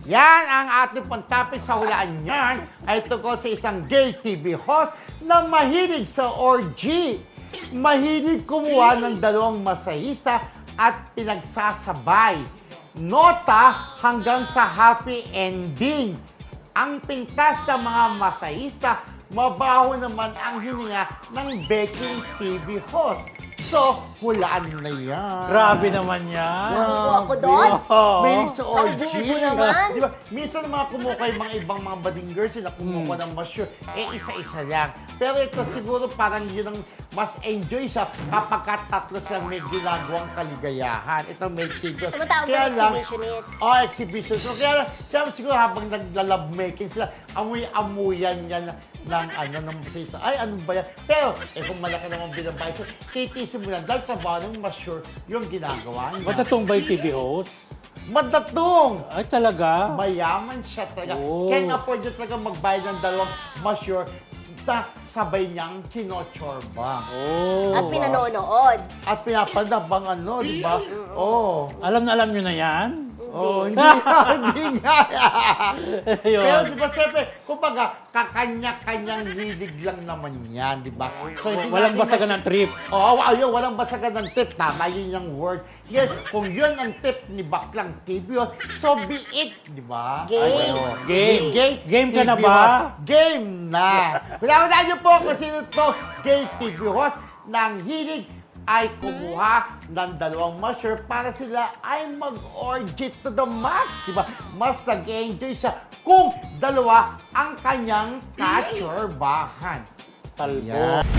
Yan ang ating pang-topic sa hulaan niyan ay tungkol sa isang gay TV host na mahilig sa orgy. Mahilig kumuha ng dalawang masahista at pinagsasabay. Nota hanggang sa happy ending. Ang pintas ng mga masahista, mabaho naman ang hininga ng baking TV host. So, hulaan na yan. Grabe naman yan. Ako doon? Mahilig sa orgy. Ang bubo naman. Di ba? Minsan mga kumuha yung mga ibang mga badingers na kumuha ng masyur, isa-isa lang. Pero ito siguro parang yun ang mas enjoy siya kapag tatlo silang may ginagawang kaligayahan. Ito may TV. Tumatawag na exhibitionist. Exhibition. So kaya lang, siya siguro habang nagla-love making sila, amoy-amuyan niya ng masisa. Ay, ano ba yan? Pero, kung malaki naman binabayad siya, titisin mo lang, dahil trabaho ng masyur yung ginagawa niya. Matatong ba yung TV host? Madatong! Ay, talaga? Mayaman siya talaga. Oh. Can afford niya talaga magbayad ng dalawang masyur na sabay niyang kinochorba. Oh. At pinanonood. At pinapanabang di ba? Oh. Alam nyo na yan? Oh, hindi nga, hindi nga. Ayun. Pero di ba, siyempre, kumbaga, kakanya-kanyang hilig lang naman yan, di ba? So, hindi Walang natin basagan ng trip. Oo, ayun, walang basagan ng tip. Tama yun yung word. Yan, kung yun ang tip ni Baklang TV, so be it, di ba? Game. Ayun. Game. Game ka na TV ba? host. Game na. Kailangan niyo po kung sino to, gay TV host ng hilig ay kumuha ng dalawang masyur para sila ay mag-orgy to the max, di ba? Mas nag-enjoy siya kung dalawa ang kanyang kachorbahan. Talbo. Yan.